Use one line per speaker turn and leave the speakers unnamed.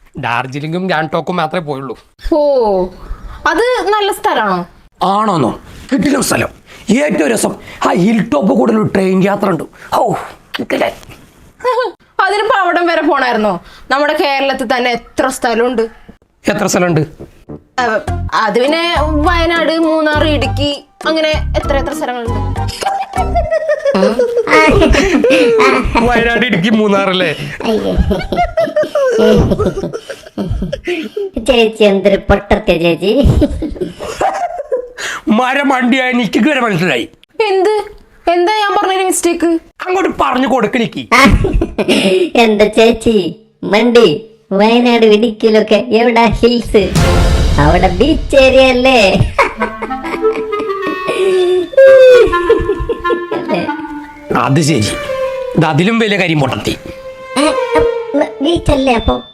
ഡാർജിലിംഗും ഗാങ്ടോക്കും മാത്രമേ പോയുള്ളൂ.
ഓ, അത് നല്ല സ്ഥലമാണോ?
ആണോന്നോ? കിട്ടില്ല സ്ഥലം. ഏറ്റവും രസം ആ ഹിൽ ടോപ്പ് കൂടെ ഒരു ട്രെയിൻ യാത്ര ഉണ്ട്. ഓ കിട്ടില്ല.
അതിനിപ്പോ അവിടം വരെ പോണായിരുന്നോ? നമ്മുടെ കേരളത്തിൽ തന്നെ എത്ര സ്ഥലമുണ്ട്.
എത്ര സ്ഥലമുണ്ട്?
അത് പിന്നെ വയനാട്, മൂന്നാർ, ഇടുക്കി, അങ്ങനെ എത്ര എത്ര സ്ഥലങ്ങളുണ്ട്.
വയനാട്, ഇടുക്കി, മൂന്നാറല്ലേ?
ചേച്ചി എന്തൊരു പൊട്ടത്തെ ചേച്ചി.
മരം വണ്ടിയായ എനിക്ക് വരെ മനസ്സിലായി.
എന്താ ഞാൻ പറഞ്ഞൊരു മിസ്റ്റേക്ക്?
അങ്ങോട്ട് പറഞ്ഞു കൊടുക്കണിക്ക്.
എന്താ ചേച്ചി മണ്ടി? വയനാട് ഇടുക്കിയിലൊക്കെ എവിടെ ഹിൽസ്? അവിടെ ബീച്ച് ഏരിയ അല്ലേ?
അത് ശരി. ഇത് അതിലും വലിയ കാര്യം പൊട്ടത്തി.
ബീച്ച് അല്ലേ അപ്പൊ?